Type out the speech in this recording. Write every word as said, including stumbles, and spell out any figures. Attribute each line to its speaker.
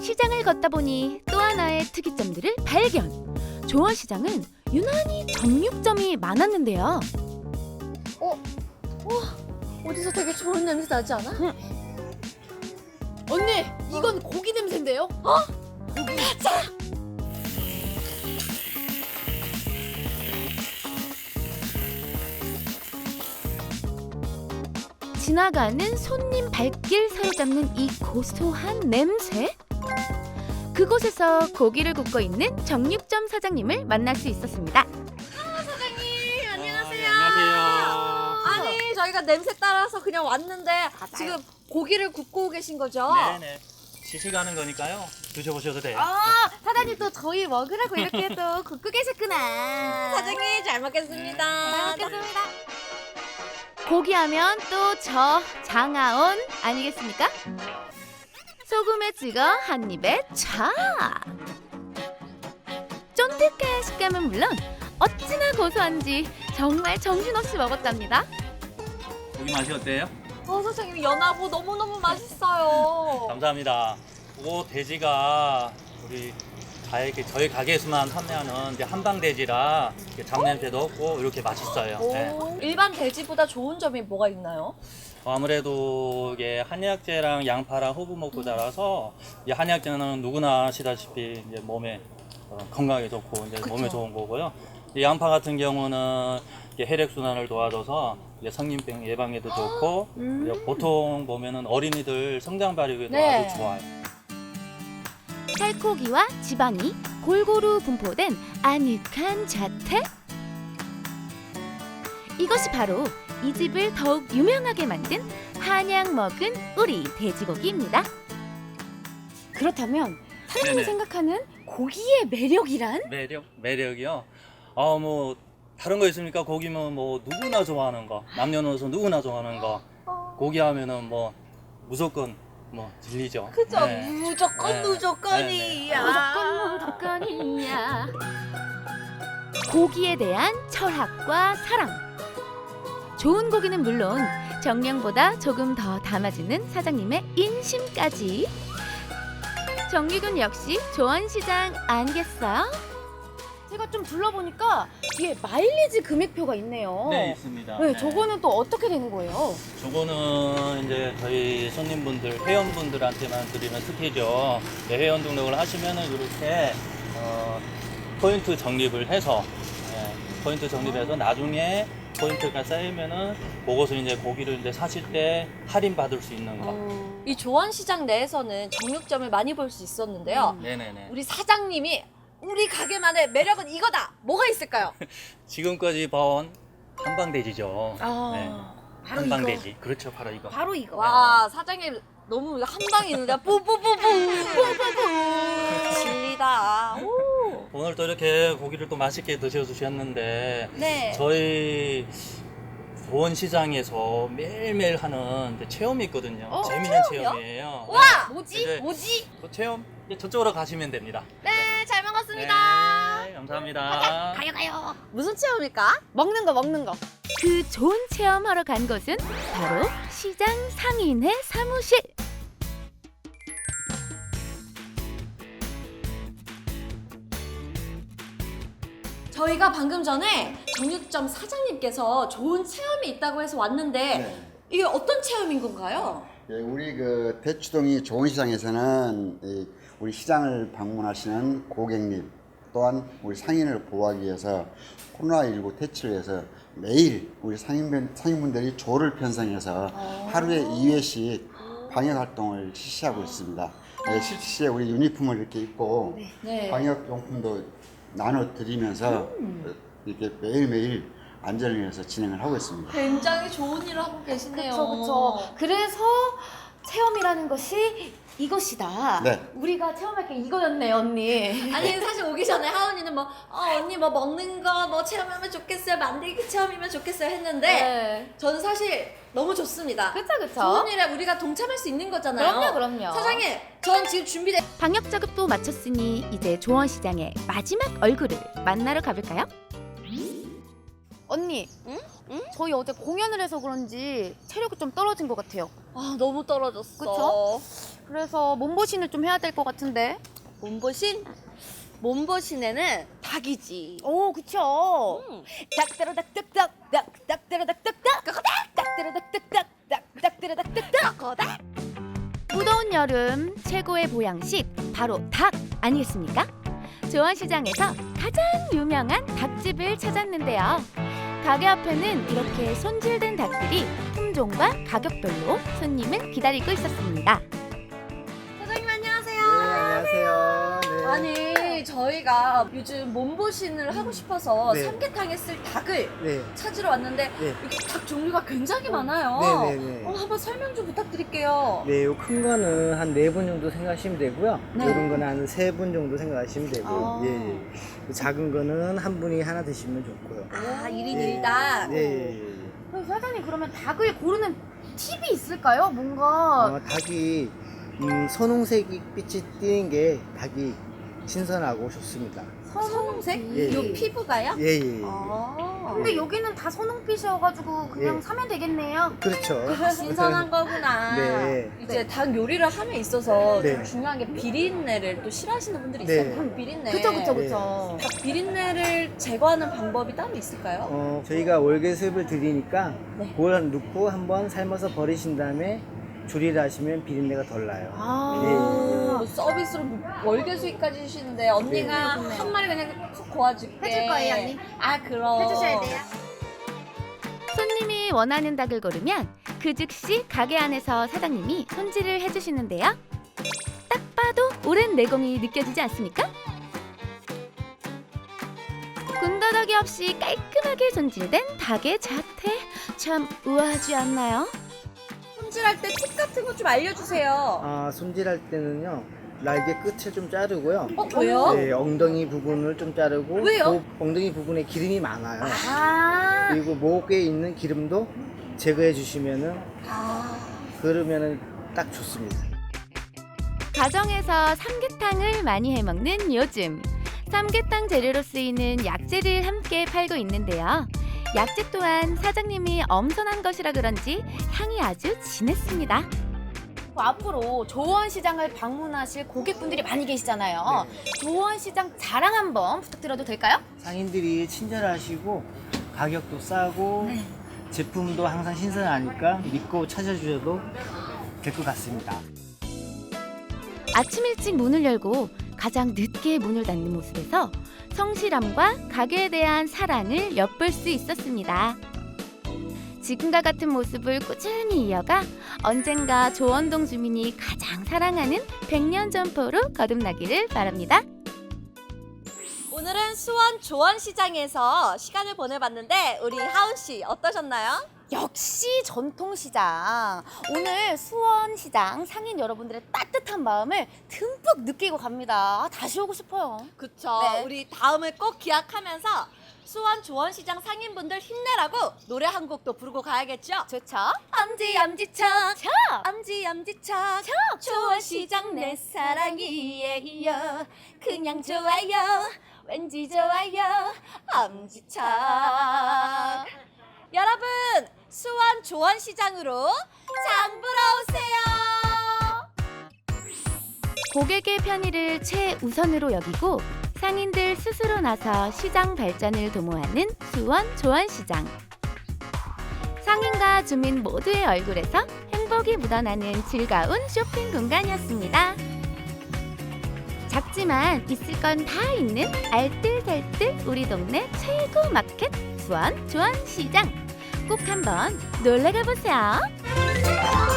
Speaker 1: 시장을 걷다 보니 또 하나의 특이점들을 발견. 조원시장은 유난히 정육점이 많았는데요.
Speaker 2: 어? 와, 어디서 되게 좋은 냄새 나지 않아?
Speaker 1: 응.
Speaker 2: 언니, 이건 고기 냄새인데요? 어? 고기. 자!
Speaker 1: 지나가는 손님 발길 사로잡는 이 고소한 냄새? 그곳에서 고기를 굽고 있는 정육점 사장님을 만날 수 있었습니다.
Speaker 2: 아, 사장님, 안녕하세요.
Speaker 3: 아, 네, 안녕하세요.
Speaker 2: 아니, 저희가 냄새 따라서 그냥 왔는데 지금 고기를 굽고 계신 거죠?
Speaker 3: 네네. 시식하는 거니까요. 드셔보셔도 돼요.
Speaker 2: 아, 사장님 또 저희 먹으라고 이렇게 또 굽고 계셨구나. 사장님, 잘 먹겠습니다. 잘 먹겠습니다.
Speaker 1: 고기하면 또 저 장아온 아니겠습니까? 소금에 찍어 한 입에 차! 쫀득한 식감은 물론 어찌나 고소한지 정말 정신없이 먹었답니다.
Speaker 3: 고기 맛이 어때요?
Speaker 2: 어, 사장님 연하고 너무너무 맛있어요.
Speaker 3: 감사합니다. 이 돼지가 우리 가게, 저희 가게에서만 판매하는 이제 한방 돼지라 이렇게 잡냄새도 없고 이렇게 맛있어요. 네.
Speaker 2: 오, 일반 돼지보다 좋은 점이 뭐가 있나요?
Speaker 3: 아무래도 이게 한약재랑 양파랑 호부먹고 자라서 이 한약재는 누구나 아시다시피 이제 몸에 어, 건강에 좋고 이제 몸에 좋은 거고요. 이 양파 같은 경우는 이게 혈액순환을 도와줘서 이제 성인병 예방에도 좋고
Speaker 2: 음.
Speaker 3: 이제 보통 보면은 어린이들 성장 발육에도
Speaker 2: 네.
Speaker 3: 아주 좋아요.
Speaker 1: 살코기와 지방이 골고루 분포된 아늑한 자태? 이것이 바로 이 집을 더욱 유명하게 만든 한약 먹은 우리 돼지고기입니다. 그렇다면 사장님이
Speaker 3: 네네.
Speaker 1: 생각하는 고기의 매력이란?
Speaker 3: 매력 매력이요. 아 뭐 다른 거 있습니까? 고기면 뭐 누구나 좋아하는 거, 남녀노소 누구나 좋아하는 거. 고기 하면은 뭐 무조건 뭐 질리죠.
Speaker 2: 그죠?
Speaker 3: 네.
Speaker 2: 무조건
Speaker 3: 네.
Speaker 2: 무조건이야.
Speaker 1: 무조건 무조건이야. 고기에 대한 철학과 사랑. 좋은 고기는 물론 정량보다 조금 더 담아주는 사장님의 인심까지. 정기군 역시 조원시장 아니겠어요? 제가 좀 둘러보니까 뒤에 마일리지 금액표가 있네요.
Speaker 3: 네, 있습니다.
Speaker 1: 네,
Speaker 3: 네.
Speaker 1: 저거는 또 어떻게 되는 거예요?
Speaker 3: 저거는 이제 저희 손님분들, 회원분들한테만 드리는 특혜죠. 네, 회원 등록을 하시면은 이렇게 어, 포인트 적립을 해서 네, 포인트 적립해서 나중에 포인트가 쌓이면은 그것을 이제 고기를 이제 사실 때 할인 받을 수 있는 거.
Speaker 2: 이 조원시장 내에서는 정육점을 많이 볼 수 있었는데요.
Speaker 3: 네네네.
Speaker 2: 우리 사장님이 우리 가게만의 매력은 이거다. 뭐가 있을까요?
Speaker 3: 지금까지 봐온 한방돼지죠.
Speaker 1: 아,
Speaker 3: 네.
Speaker 1: 바로
Speaker 3: 한방돼지. 그렇죠, 바로 이거.
Speaker 1: 바로 이거.
Speaker 2: 와, 사장님 너무 한 방에 있는데 뿌뿌뿌뿌 뿌뿌뿌 질리다. 오.
Speaker 3: 오늘 또 이렇게 고기를 또 맛있게 드셔주셨는데
Speaker 2: 네.
Speaker 3: 저희 조원시장에서 매일매일 하는 이제 체험이 있거든요.
Speaker 2: 어,
Speaker 3: 재밌는
Speaker 2: 체험이요?
Speaker 3: 체험이에요.
Speaker 2: 와,
Speaker 3: 네.
Speaker 2: 뭐지?
Speaker 3: 이제
Speaker 2: 뭐지?
Speaker 3: 그 체험 이제 저쪽으로 가시면 됩니다.
Speaker 2: 네, 잘 먹었습니다.
Speaker 3: 네, 감사합니다.
Speaker 2: 가요 가요. 무슨 체험일까?
Speaker 1: 먹는 거 먹는 거. 그 좋은 체험하러 간 곳은 바로 시장 상인의 사무실.
Speaker 2: 저희가 방금 전에 정육점 사장님께서 좋은 체험이 있다고 해서 왔는데
Speaker 4: 네.
Speaker 2: 이게 어떤 체험인 건가요?
Speaker 4: 예, 우리 그 대추동이 좋은 시장에서는 이 우리 시장을 방문하시는 고객님 또한 우리 상인을 보호하기 위해서 코로나십구 퇴치를 해서 매일 우리 상인분, 상인분들이 조를 편성해서 하루에 이 회씩 방역 활동을 실시하고 있습니다. 예, 실시에 우리 유니폼을 이렇게 입고
Speaker 2: 네.
Speaker 4: 방역 용품도 나눠 드리면서 이렇게 매일매일 안전을 위해서 진행을 하고 있습니다.
Speaker 2: 굉장히 좋은 일을 하고 계시네요.
Speaker 1: 그렇죠, 그렇죠. 그래서 체험이라는 것이 이것이다.
Speaker 4: 네.
Speaker 1: 우리가 체험할 게 이거였네, 언니.
Speaker 2: 아니 사실 오기 전에 하은이는 뭐 어, 언니 뭐 먹는 거 뭐 체험하면 좋겠어요, 만들기 체험이면 좋겠어요 했는데
Speaker 1: 네.
Speaker 2: 저는 사실 너무 좋습니다.
Speaker 1: 그쵸, 그쵸.
Speaker 2: 좋은 일에 우리가 동참할 수 있는 거잖아요.
Speaker 1: 그럼요, 그럼요.
Speaker 2: 사장님, 전 지금 준비돼.
Speaker 1: 방역 작업도 마쳤으니 이제 조원시장의 마지막 얼굴을 만나러 가볼까요? 언니,
Speaker 2: 응?
Speaker 1: 응? 저희 어제 공연을 해서 그런지 체력이 좀 떨어진 것 같아요.
Speaker 2: 아 너무 떨어졌어.
Speaker 1: 그쵸? 그래서 몸보신을 좀 해야 될 것 같은데.
Speaker 2: 몸보신? 몸보신에는 닭이지.
Speaker 1: 오, 그쵸.
Speaker 2: 음.
Speaker 1: 닭다라닭닭닭 닭다라닭닭닭 닭다라닭닭닭 닭다라닭닭닭. 무더운 여름 최고의 보양식 바로 닭 아니겠습니까? 조원시장에서 가장 유명한 닭집을 찾았는데요. 가게 앞에는 이렇게 손질된 닭들이 품종과 가격별로 손님을 기다리고 있었습니다.
Speaker 2: 사장님 안녕하세요.
Speaker 5: 네, 안녕하세요. 네.
Speaker 2: 아니 저희가 요즘 몸보신을 하고 싶어서
Speaker 5: 네.
Speaker 2: 삼계탕에 쓸 닭을
Speaker 5: 네.
Speaker 2: 찾으러 왔는데
Speaker 5: 네.
Speaker 2: 여기 닭 종류가 굉장히 많아요.
Speaker 5: 네, 네, 네.
Speaker 2: 어, 한번 설명 좀 부탁드릴게요.
Speaker 5: 네, 요 큰 거는 한 네 분 정도 생각하시면 되고요.
Speaker 2: 네.
Speaker 5: 요런 거는 한 세 분 정도 생각하시면 되고,
Speaker 2: 아.
Speaker 5: 예, 예. 그 작은 거는 한 분이 하나 드시면 좋고요.
Speaker 2: 아, 일 인
Speaker 5: 예.
Speaker 2: 일 닭.
Speaker 5: 네, 예, 예.
Speaker 1: 그럼 사장님 그러면 닭을 고르는 팁이 있을까요? 뭔가
Speaker 5: 어, 닭이 음, 선홍색이 빛이 띄는 게 닭이 신선하고 좋습니다.
Speaker 2: 선홍색?
Speaker 5: 예,
Speaker 2: 요
Speaker 5: 예.
Speaker 2: 피부가요?
Speaker 5: 예, 예. 예.
Speaker 2: 아.
Speaker 1: 근데 여기는 다 선홍빛이어가지고 그냥
Speaker 5: 예.
Speaker 1: 사면 되겠네요.
Speaker 5: 그렇죠.
Speaker 2: 신선한 거구나.
Speaker 5: 네.
Speaker 2: 이제 닭 요리를 함에 있어서
Speaker 5: 네.
Speaker 2: 좀 중요한 게 비린내를 또 싫어하시는 분들이
Speaker 5: 네.
Speaker 2: 있어요. 그럼 비린내.
Speaker 1: 그쵸 그쵸
Speaker 5: 네.
Speaker 1: 그쵸.
Speaker 2: 닭 비린내를 제거하는 방법이 따로 있을까요?
Speaker 5: 어, 저희가 월계수잎을 드리니까
Speaker 2: 네.
Speaker 5: 그걸 넣고 한번 삶아서 버리신 다음에 조리를 하시면 비린내가 덜 나요.
Speaker 1: 아.
Speaker 5: 예.
Speaker 2: 오, 서비스로 월계수잎까지 주시는데 언니가
Speaker 1: 네.
Speaker 2: 한 마리 그냥 푹 고아줄게.
Speaker 1: 해줄 거예요, 언니?
Speaker 2: 아 그럼.
Speaker 1: 해주셔야 돼요. 손님이 원하는 닭을 고르면 그 즉시 가게 안에서 사장님이 손질을 해주시는데요. 딱 봐도 오랜 내공이 느껴지지 않습니까? 군더더기 없이 깔끔하게 손질된 닭의 자태 참 우아하지 않나요?
Speaker 2: 손질할 때 팁 같은 거 좀 알려주세요.
Speaker 5: 아, 손질할 때는요, 날개 끝을 좀 자르고요.
Speaker 2: 어 왜요?
Speaker 5: 네, 엉덩이 부분을 좀 자르고.
Speaker 2: 왜요?
Speaker 5: 목, 엉덩이 부분에 기름이 많아요.
Speaker 1: 아,
Speaker 5: 그리고 목에 있는 기름도 제거해 주시면은,
Speaker 2: 아.
Speaker 5: 그러면은 딱 좋습니다.
Speaker 1: 가정에서 삼계탕을 많이 해먹는 요즘 삼계탕 재료로 쓰이는 약재를 함께 팔고 있는데요. 약재 또한 사장님이 엄선한 것이라 그런지 향이 아주 진했습니다. 앞으로 조원시장을 방문하실 고객분들이 많이 계시잖아요. 조원시장 자랑 한번 부탁드려도 될까요?
Speaker 5: 상인들이 친절하시고, 가격도 싸고, 제품도 항상 신선하니까 믿고 찾아주셔도 될 것 같습니다.
Speaker 1: 아침 일찍 문을 열고 가장 늦게 문을 닫는 모습에서 성실함과 가게에 대한 사랑을 엿볼 수 있었습니다. 지금과 같은 모습을 꾸준히 이어가 언젠가 조원동 주민이 가장 사랑하는 백년 점포로 거듭나기를 바랍니다.
Speaker 2: 오늘은 수원 조원시장에서 시간을 보내봤는데 우리 하은 씨 어떠셨나요?
Speaker 1: 역시 전통시장. 오늘 수원시장 상인 여러분들의 따뜻한 마음을 듬뿍 느끼고 갑니다. 다시 오고 싶어요.
Speaker 2: 그쵸.
Speaker 1: 네.
Speaker 2: 우리 다음을 꼭 기약하면서 수원 조원시장 상인분들 힘내라고 노래 한 곡도 부르고 가야겠죠?
Speaker 1: 좋죠?
Speaker 2: 엄지 엄지척
Speaker 1: 저!
Speaker 2: 엄지 엄지척 조원시장 내 사랑이에요 그냥 좋아요 왠지 좋아요 엄지척 여러분 수원 조원시장으로 장 보러 오세요.
Speaker 1: 고객의 편의를 최우선으로 여기고 상인들 스스로 나서 시장 발전을 도모하는 수원 조원시장. 상인과 주민 모두의 얼굴에서 행복이 묻어나는 즐거운 쇼핑 공간이었습니다. 작지만 있을 건 다 있는 알뜰살뜰 우리 동네 최고 마켓 수원 조원시장. 꼭 한번 놀러가 보세요.